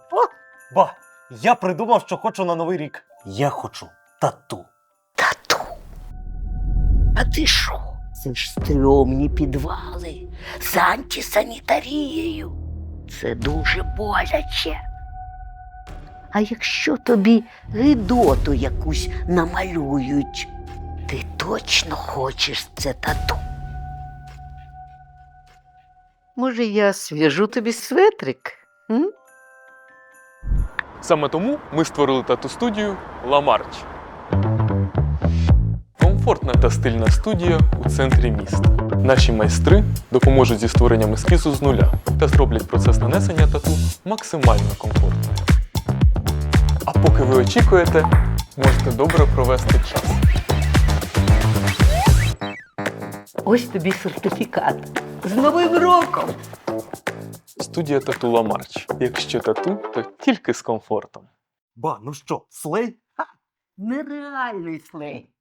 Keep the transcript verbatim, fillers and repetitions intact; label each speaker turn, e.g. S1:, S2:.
S1: Ба, я придумав, що хочу на Новий рік. Я хочу тату.
S2: Тату. А ти що? Це ж стрьомні підвали з антисанітарією. Це дуже боляче. А якщо тобі гидоту якусь намалюють, ти точно хочеш це тату? Може, я св'яжу тобі светрик? М?
S3: Саме тому ми створили тату-студію «Ла Марч». Комфортна та стильна студія у центрі міста. Наші майстри допоможуть зі створенням ескізу з нуля та зроблять процес нанесення тату максимально комфортним. А поки ви очікуєте, можете добре провести час.
S2: Ось тобі сертифікат. З Новим роком!
S3: Студія тату «Ла Марч». Якщо тату, то тільки з комфортом.
S1: Ба, ну що, слей?
S2: Нереальний слей.